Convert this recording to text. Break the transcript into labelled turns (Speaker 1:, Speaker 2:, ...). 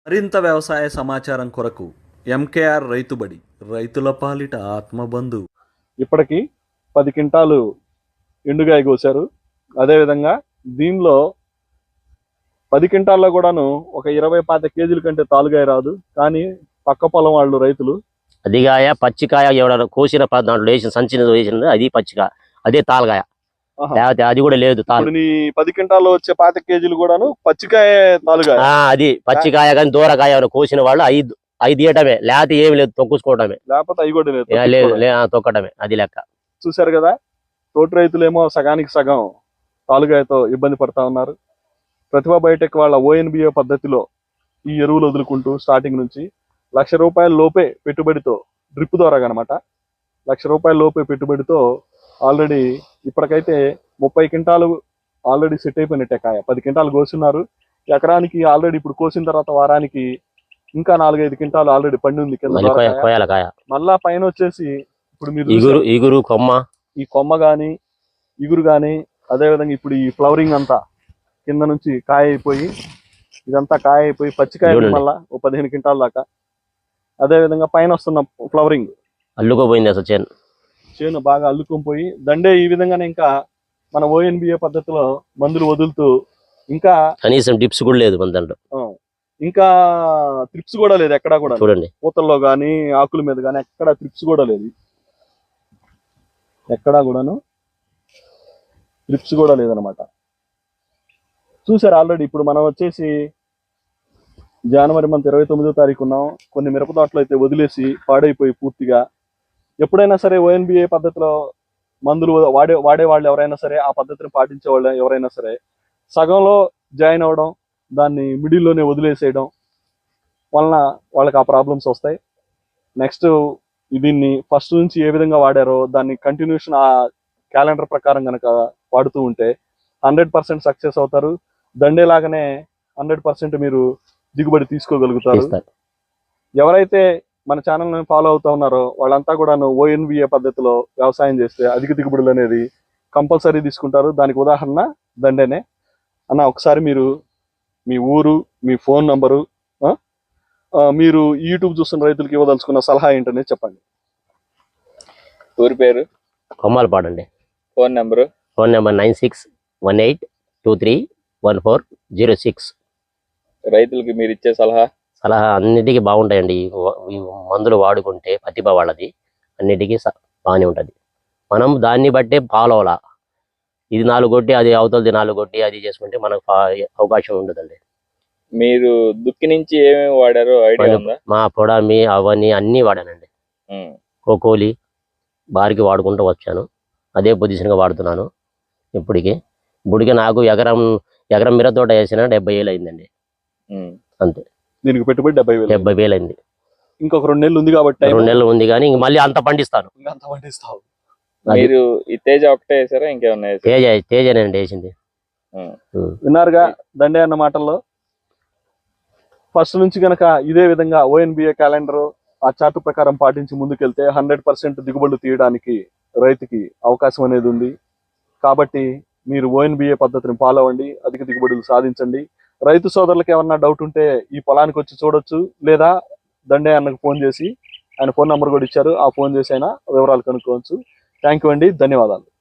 Speaker 1: మరింత వ్యవసాయ సమాచారం కొరకు ఎంకేఆర్ రైతుబడి, రైతుల పాలిట ఆత్మబంధు.
Speaker 2: ఇప్పటికి 10 క్వింటాలు ఎండుగాయ కోసారు. అదేవిధంగా దీనిలో 10 క్వింటాల్లో కూడాను ఒక 20-25 కేజీల కంటే తాలుగాయ రాదు. కానీ పక్క పొలం వాళ్ళు రైతులు
Speaker 3: అదిగాయ పచ్చికాయ ఎవడ కోసిన దాంట్లో వేసిన సంచిన వేసింది అది పచ్చికాయ, అదే తాలుగాయ. అది కూడా లేదు.
Speaker 2: నీ 10 క్వింటాల్లో వచ్చే 25 కేజీలు కూడాను పచ్చికాయ తాలుగాయ.
Speaker 3: అది పచ్చికాయ కానీ దూరకాయ ఎవరైనా కోసిన వాళ్ళు ఐదు తీయటమే, లేకపోతే ఏమి లేదు, తొక్కుకోవటమే.
Speaker 2: లేకపోతే అవి కూడా
Speaker 3: లేదు, తొక్కటమే. అది లెక్క.
Speaker 2: చూశారు కదా, తోటి రైతులేమో సగానికి సగం తాలుగాయతో ఇబ్బంది పడతా ఉన్నారు. ప్రతిభా బయోటెక్ వాళ్ళ ONBA పద్ధతిలో ఈ ఎరువులు వదులుకుంటూ స్టార్టింగ్ నుంచి ₹1,00,000 లోపే పెట్టుబడితో, డ్రిప్ ద్వారా అనమాట, ₹1,00,000 లోపే పెట్టుబడితో ఆల్రెడీ ఇప్పటికైతే 30 క్వింటాలు ఆల్రెడీ సెట్ అయిపోయినట్టే. కాయ 10 క్వింటాలు కోస్తున్నారు. ఎకరానికి ఆల్రెడీ ఇప్పుడు కోసిన తర్వాత వారానికి ఇంకా 4-5 క్వింటాలు ఆల్రెడీ పండి ఉంది కింద. మళ్ళా పైన వచ్చేసి ఇప్పుడు మీరు
Speaker 3: ఇగురు కొమ్మ, ఈ
Speaker 2: కొమ్మ గాని ఇగురు గాని, అదే విధంగా ఇప్పుడు ఈ ఫ్లవరింగ్ అంతా కింద నుంచి కాయ అయిపోయి, ఇదంతా కాయ అయిపోయి పచ్చికాయ మళ్ళా 15 క్వింటాల దాకా. అదే విధంగా పైన వస్తున్న ఫ్లవరింగ్
Speaker 3: అల్లుకోపోయింది. అసలు
Speaker 2: చేను బాగా అల్లుకొని పోయి దండే ఈ విధంగానే ఇంకా మన ONBA పద్ధతిలో మందులు వదులుతూ, ఇంకా
Speaker 3: కనీసం డిప్స్ కూడా లేదు మన దాంట్లో,
Speaker 2: ఇంకా త్రిప్స్ కూడా లేదు ఎక్కడా కూడా.
Speaker 3: చూడండి,
Speaker 2: పూతల్లో గానీ ఆకుల మీద గానీ ఎక్కడ త్రిప్స్ కూడా లేదు. ఎక్కడా కూడాను త్రిప్స్ కూడా లేదనమాట. చూసారు ఆల్రెడీ. ఇప్పుడు మనం వచ్చేసి జనవరి మంత్ 29వ తారీఖు ఉన్నాం. కొన్ని మిరప తోటలు అయితే వదిలేసి పాడైపోయి పూర్తిగా. ఎప్పుడైనా సరే ONBA పద్ధతిలో మందులు వాడే వాళ్ళు ఎవరైనా సరే, ఆ పద్ధతిని పాటించే వాళ్ళు ఎవరైనా సరే, సగంలో జాయిన్ అవ్వడం, దాన్ని మిడిల్లోనే వదిలేసేయడం వలన వాళ్ళకి ఆ ప్రాబ్లమ్స్ వస్తాయి. నెక్స్ట్ దీన్ని ఫస్ట్ నుంచి ఏ విధంగా వాడారో దాన్ని కంటిన్యూషన్ ఆ క్యాలెండర్ ప్రకారం కనుక వాడుతూ ఉంటే 100% సక్సెస్ అవుతారు. దండేలాగానే 100% మీరు దిగుబడి తీసుకోగలుగుతారు. ఎవరైతే మన ఛానల్ని ఫాలో అవుతా ఉన్నారో వాళ్ళంతా కూడాను ONBA పద్ధతిలో వ్యవసాయం చేస్తే అధిక దిగుబడులు అనేది కంపల్సరీ తీసుకుంటారు. దానికి ఉదాహరణ దండేనే. అన్న, ఒకసారి మీరు మీ ఊరు, మీ ఫోన్ నంబరు, మీరు యూట్యూబ్ చూస్తున్న రైతులకు ఇవ్వదలుచుకున్న సలహా ఏంటనేది చెప్పండి.
Speaker 4: ఊరి పేరు
Speaker 3: కొమ్మాలపాడు అండి.
Speaker 4: Phone number
Speaker 3: 9618231406.
Speaker 4: రైతులకి మీరు ఇచ్చే సలహా
Speaker 3: అన్నిటికీ బాగుంటాయండి. ఈ మందులు వాడుకుంటే ప్రతిభ వాళ్ళది అన్నిటికీ బాగానే ఉంటుంది. మనం దాన్ని బట్టే ఫాలో అవ్వాలా. ఇది 4 కొట్టి అది అవతలది 4 కొట్టి అది చేసుకుంటే మనకు అవకాశం ఉండదండి.
Speaker 4: మీరు దుక్కి నుంచి ఏమేమి వాడారో ఐడియా ఉందా?
Speaker 3: మా పొడామి అవన్నీ అన్నీ వాడానండి. కోకోలి బారికి వాడుకుంటూ వచ్చాను. అదే పొజిషన్గా వాడుతున్నాను ఇప్పటికి నాకు ఎకరం మిర తోట వేసిన 70,000 అయిందండి. అంతే.
Speaker 2: దీనికి పెట్టుబడి
Speaker 3: 70,000 అయింది.
Speaker 2: ఇంకొక 2 నెలలు ఉంది కాబట్టి
Speaker 3: 2 నెలలు ఉంది, కానీ ఇంక మళ్ళీ అంత పండిస్తాను.
Speaker 4: మీరు ఈ తేజ ఒకటే వేసారా, ఇంకేమన్నా?
Speaker 3: తేజనండి వేసింది.
Speaker 2: విన్నారుగా దండే అన్న మాటల్లో. ఫస్ట్ నుంచి గనక ఇదే విధంగా ONBA క్యాలెండర్ ఆ చార్ట్ ప్రకారం పాటించి ముందుకెళ్తే 100% దిగుబడులు తీయడానికి రైతుకి అవకాశం అనేది ఉంది. కాబట్టి మీరు ONBA పద్ధతిని ఫాలో అవ్వండి, అధిక దిగుబడులు సాధించండి. రైతు సోదరులకు ఏమన్నా డౌట్ ఉంటే ఈ పొలానికి వచ్చి చూడొచ్చు, లేదా దండే అన్నకు ఫోన్ చేసి, ఆయన ఫోన్ నెంబర్ కూడా ఇచ్చారు, ఆ ఫోన్ చేసి అయినా వివరాలు కనుక్కోవచ్చు. థ్యాంక్ యూ అండి, ధన్యవాదాలు.